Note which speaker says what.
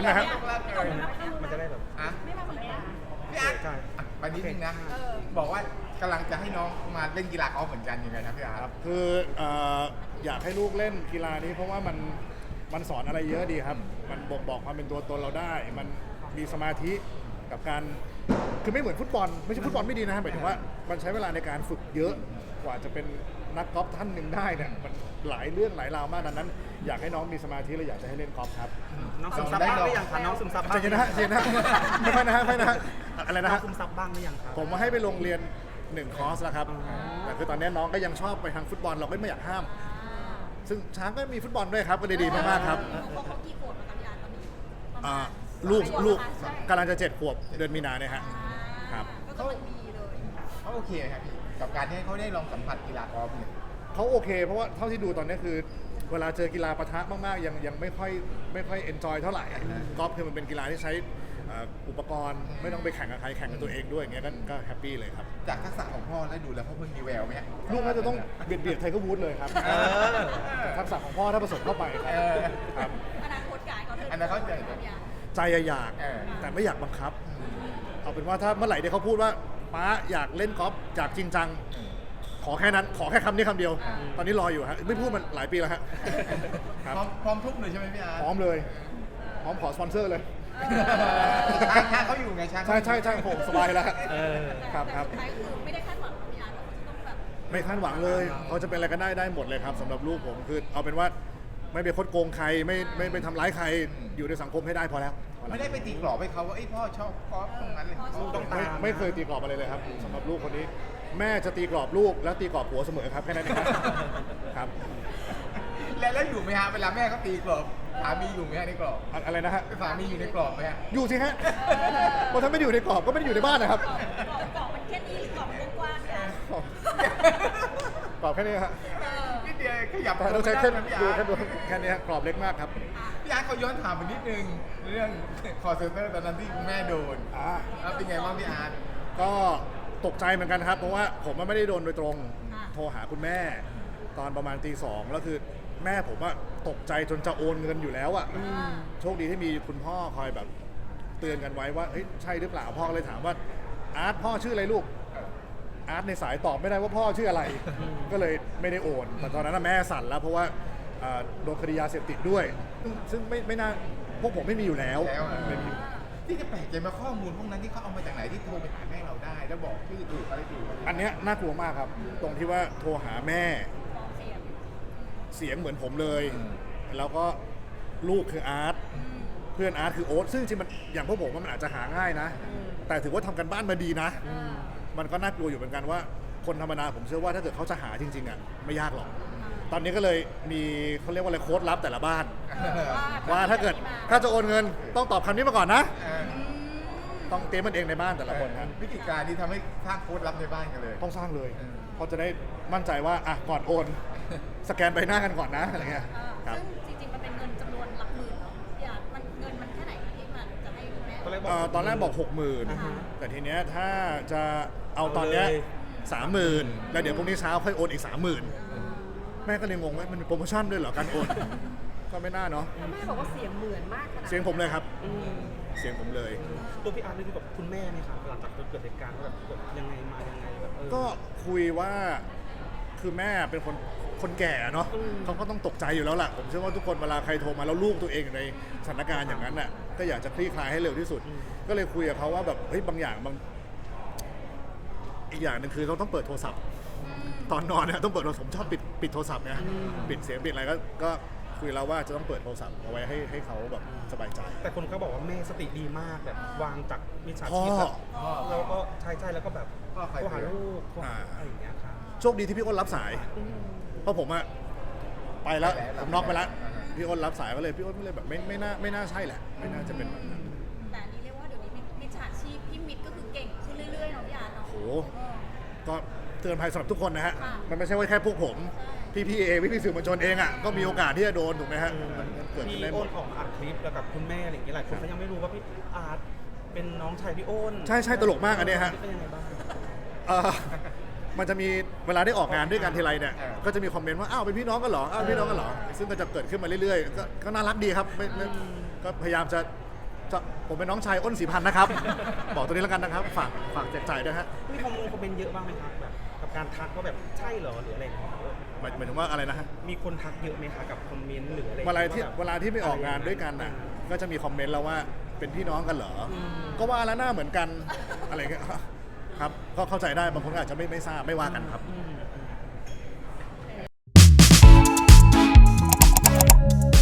Speaker 1: อนนะฮะ
Speaker 2: มันจะได้แบบ
Speaker 3: อ่ะ
Speaker 4: ไม่มาเหมือนกัน
Speaker 3: พี่อาร์ต
Speaker 2: ใช่
Speaker 3: อ่ะไปนิดนึงนะ บอกว่ากำลังจะให้น้องมาเล่นกีฬากอล์ฟเหมือนกันยังไงครับพี่อาร์ต
Speaker 1: คืออยากให้ลูกเล่นกีฬานี้เพราะว่ามันสอนอะไรเยอะดีครับ มันบ่งบอกความเป็นตัวตนเราได้ มันมีสมาธิกับการคือไม่เหมือนฟุตบอลไม่ใช่ฟุตบอลไม่ดีนะหมายถึงว่ามันใช้เวลาในการฝึกเยอะกว่าจะเป็นนักกอล์ฟท่านหนึ่งได้เนี่ยมันหลายเรื่องหลายราวมากดังนั้น อยากให้น้องมีสมาธิและอยากจะให้เล่นกอล์ฟครับ
Speaker 2: น้องซึมซับบ้างหรือยังคะน้องซึมซับบ้าง
Speaker 1: เจนนะฮะเจนนะฮะไม่ค่อยนะฮะไม่นะฮะอะไรนะ
Speaker 2: น้อ
Speaker 1: ฮะ
Speaker 2: งซึมซับบ้างหรือยังครับ
Speaker 1: ผมมาให้ไปโรงเรียน1 คอร์สแล้วครับแต่คือตอนนี้น้องก็ยังชอบไปทางฟุตบอลเราก็ไม่อยากห้าม ซึ่งช้างก็มีฟุตบอลด้วยครับก็เลยดีมากๆครับ
Speaker 4: เขากี่ขวบแล้วคะพี่อาร์ตตอนนี้ประมา
Speaker 1: อ่า
Speaker 4: ณ
Speaker 1: ลูก
Speaker 4: ใช่
Speaker 1: กำลังจะ7 ขวบเดือนมีนาเนี่ยฮะ ครับ
Speaker 4: ก็กำลังดีเลย
Speaker 3: เขาโอเคไหมครับพี่กับการที่ให้เขาได้ลองสัมผัสกีฬากอล์ฟเนี่ย
Speaker 1: เขาโอเคเพราะว่าเท่าที่ดูตอนนี้คือ เวลาเจอกีฬาปะทะมากๆยังไม่ค่อยเอนจอยเท่าไหร่กอล์ฟคือมันเป็นกีฬาที่ใช้อุปกรณ์ไม่ต้องไปแข่งกับใครแข่งกับตัวเองด้วยอย่างเงี้ยก็แฮปปี้เลยครับ
Speaker 3: จากทักษะของพ่อแล้วดูแล้วเขาเพิ่งมีแววไหมฮะ
Speaker 1: ลูกน่าจะต้องเบียดไทเกอร์วูดเลยครับแต่ทักษะของพ่อถ้าผสมเข้าไปครับ ครับ
Speaker 4: อนาคตกายเขาเธอ
Speaker 3: อันนั้นเขาจะ
Speaker 4: พี่อาร์ต
Speaker 1: ใจอยาก
Speaker 3: เออ
Speaker 1: แต่ไม่อยากบังคับ เอาเป็นว่าถ้าเมื่อไหร่ที่เขาพูดว่าป๊าอยากเล่นกอล์ฟจากจริงจัง ขอแค่นั้นขอแค่คำนี้คำเดียว ตอนนี้รออยู่ฮะไม่พูดมันหลายปีแล้วฮะครับ
Speaker 3: พร้อมทุกเลยใช่ไหมพี่อาร์ต
Speaker 1: พร้อมเลยพร้อมขอสปอนเซอร์เลย
Speaker 3: ช้างเขาอยู่ไงช้าง
Speaker 1: ใช่ผมสบายแล้วฮะ ครับ
Speaker 4: แต่สุดท้ายคือไม่ได้คาดหวังกับพี่อาร์ตว่าเขาจะต้องแบบ
Speaker 1: ไม่คาดหวังเลยเขาจะเป็นอะไรก็ได้หมดเลยครับสำหรับลูกผมคือเอาเป็นว่าไม่ไปคดโกงใครไม่ไปทำร้ายใครอยู่ในสังคมให้ได้พอแล้ว
Speaker 3: ไม่ได้ไปตีกรอบให้เขาว่าไอ้ยพ่อชอบกอล์ฟตรงนั้นเลยเขาต้องตาม
Speaker 1: ไม่เคยตีกรอบอะไรเลยครับสำหรับลูกคนนี้ แม่จะตีกรอบลูกแล้วตีกรอบผัวเสมอครับแค่นั้นเองครับ
Speaker 3: แล้วอยู่ไหมฮะเวลาแม่เขาตีกรอบสามีอยู่ไหมฮะในกรอบ
Speaker 1: อะไรนะฮะ
Speaker 3: สามีอยู่ในกรอบไหมฮะ
Speaker 1: อยู่สิฮะเพราะถ้าไม่ได้อยู่ในกรอบก็ไม่ได้อยู่ในบ้านนะครับ
Speaker 4: เกาะมันแค่นี้หรือเกาะมันกว้างๆเนี่ย
Speaker 1: กรอบแค่นี้ฮะ
Speaker 3: นิดเดียวขยับ
Speaker 1: แต่ต้องใช้แค่
Speaker 3: พี่
Speaker 1: ดู
Speaker 3: อาร์
Speaker 1: แค่
Speaker 3: ต
Speaker 1: ดูแค่นี้ฮะกรอบเล็กมากครับ
Speaker 3: พี่อาร์ตเขาย้อนถามไปนิดนึงเรื่องคอร์เซนเตอร์ตอนนั้นที่คุณแม่โดนเป็นไงบ้างพี่อาร์ต
Speaker 1: ก็ตกใจเหมือนกันครับเพราะว่าผมไม่ได้โดนโดยตรงโทรหาคุณแม่ ตอนประมาณตี 2แล้วคือแม่ผมว่าตกใจจนจะโอนเงินอยู่แล้วอ่ะโชคดีที่มีคุณพ่อคอยแบบเตือนกันไว้ว่าเฮ้ยใช่หรือเปล่าพ่อก็เลยถามว่าอาร์ตพ่อชื่ออะไรลูกอาร์ตในสายตอบไม่ได้ว่าพ่อชื่ออะไรก็เลยไม่ได้โอนแต่ตอนนั้นนะแม่สั่นแล้วเพราะว่าโดนคดียาเสพติดด้วยซึ่งไม่น่าพวกผมไม่มีอยู่แล้วไม่มี
Speaker 3: ที่จะแปลกใจมาข้อมูลพวกนั้นที่เขาเอามาจากไหนที่โทรไปหาแม่เราได้ แล้วบอกชื่อถูกอะไรถูก
Speaker 1: อันเนี้ยน่ากลัวมากครับ ตรงที่ว่าโทรหาแม่
Speaker 4: ฟ้องเสียง
Speaker 1: เสียงเหมือนผมเลย แล้วก็ลูกคืออาร์ตเพื่อนอาร์ตคือโอ๊ตซึ่งจริงๆมันอย่างพวกผมว่ามันอาจจะหาง่ายนะ แต่ถือว่าทำกันบ้านมาดีนะ มันก็น่ากลัวอยู่เหมือนกันว่า คนธรรมดาผมเชื่อว่าถ้าเกิดเขาจะหาจริงๆอ่ะไม่ยากหรอก ตอนนี้ก็เลยมีเขาเรียกว่าอะไรโค้ดลับแต่ละบ้าน ว่าถ้าเกิดถ้าจะโอนเงินต้องตอบคำนี้มาก่อนนะ ต้องเตรียมมันเองในบ้านแต่ละคนครับ
Speaker 3: วิธีการนี้ทำให้สร้างโค้ดลับในบ้านกันเลย
Speaker 1: ต้องสร้างเลยเพราะจะได้มั่นใจว่าอ่ะก่อนโอน สแกนใบหน้ากันก่อนนะอะไรเงี้ยครับ
Speaker 4: ซึ่งจริงๆ มันเป็นเงินจำนวนหลักหมื่นเนาะพี่อาร์ตมันเงินมันแค่ไหนคะที่มันจะให้คุณแม่
Speaker 1: ตอนแรกบอก 60,000 แต่ทีเนี้ยถ้าจะเอาตอนเนี้ย 30,000 แล้วเดี๋ยวพรุ่งนี้เช้าค่อยโอนอีก 30,000 แม่ก็เลยงงว่ามันเป็นโปรโมชั่นด้วยเหรอการโอน ก็ไม่น่าเนาะ
Speaker 5: แม่บอกว่าเสียงเหมือนมากขนาด
Speaker 1: เสียงผมเลยครับ เสียงผมเลย
Speaker 2: ตัวพี่อาร์ตนี่คือแบบคุณแม่นี่ครับหลังจากเกิดเหตุการณ์แบบยังไงมายังไงแบบ
Speaker 1: ก็คุยว่าคือแม่เป็นคนแก่เนาะเขาก็ต้องตกใจอยู่แล้วล่ะผมเชื่อว่าทุกคนเวลาใครโทรมาแล้วลูกตัวเองอยู่ในสถานการณ์อย่างนั้นน่ะก็อยากจะคลี่คลายให้เร็วที่สุด ก็เลยคุยกับเขาว่าแบบเฮ้ยบางอย่างอีกอย่างหนึ่งคือเราต้องเปิดโทรศัพท์ ตอนนอนเนี่ยต้องเปิดผมชอบปิดโทรศัพท์ไงปิดเสียงปิดอะไรก็คุยแล้วว่าจะต้องเปิดโทรศัพท์เอาไว้ให้เขาแบบสบายใจ
Speaker 2: แต่คนก็บอกว่าแม่สติดีมากแบบวางจากมิจฉาชีพแบบแล้วก็ใช่แล้วก็แบบโทรหาลูกโทรหาอะไรอย่างเงี้ยครับ
Speaker 1: โชคดีที่พี่อ้นรับสาย เพราะผมอะไปแล้วผมน็อกไปแล้วพี่อ้นรับสายก็เลยพี่อ้นก็เลยแบบไม่น่าใช่แหละไม่น่าจะเป็นแบบนั้น
Speaker 4: แต่อันนี้เรียกว่าเดี๋ยวนี้มิจฉาชีพพี่มิตรก็คือเก่งขึ้นเรื่อยๆเนาะพี่อาร์ตเนาะ
Speaker 1: โหก็เตือนภัยสำหรับทุกคนนะฮะ
Speaker 4: ค่ะ
Speaker 1: มันไม่ใช่ว่าแค่พวกผมพี่เองพี่สื่อมวลชนเองอะก็มีโอกาสที่จะโดนถูกไหมฮะมันเกิดขึ้
Speaker 2: พี่
Speaker 1: นได้หม
Speaker 2: โอ้
Speaker 1: ด
Speaker 2: นออกมาอัดคลิปแล้วกับคุณแม่อะไรอย่างเงี้ยหลายคนก็ยังไม่รู้ว่าพี่อาร์ตเป็นน้องชายพี่โอ้น
Speaker 1: ใช่ตลกมากอันเนี้ยฮะ
Speaker 2: เป็นยังไงบ้าง
Speaker 1: มันจะมีเวลาได้ออกงานด้วยกันทีไรเนี่ยก็จะมีคอมเมนต์ว่าอ้าวเป็นพี่น้องกันเหรออ้าวพี่น้องกันเหรอซึ่งก็จะเกิดขึ้นมาเรื่อยๆก็น่ารักดีครับไม่ก็พยายามจะผมเป็นน้องชายอ้นศรีพันธ์นะครับ บอกตัวนี้แล้วกันนะครับ ฝากแจกจ่ายด้วยฮะ
Speaker 2: มีคอมเมนต์เยอะบ้างไหมครับแบบกับการทักว่าแบบใช่เหรอหรืออะไรอย่างเงี้ย
Speaker 1: หมายถึงว่าอะไรนะฮะ
Speaker 2: มีคนทักเยอะไหมคะกับคอมเมนต์หรืออะไร
Speaker 1: เวลาที่ไปออกงานด้วยกันน่ะก็จะมีคอมเมนต์แล้วว่าเป็นพี่น้องกันเหรอก็ว่าแล้วหน้าเหมือนกันอะไรเงี้ยครับก็เข้าใจได้บางคนอาจจะไม่ทราบไม่ว่ากันครับ
Speaker 2: อืม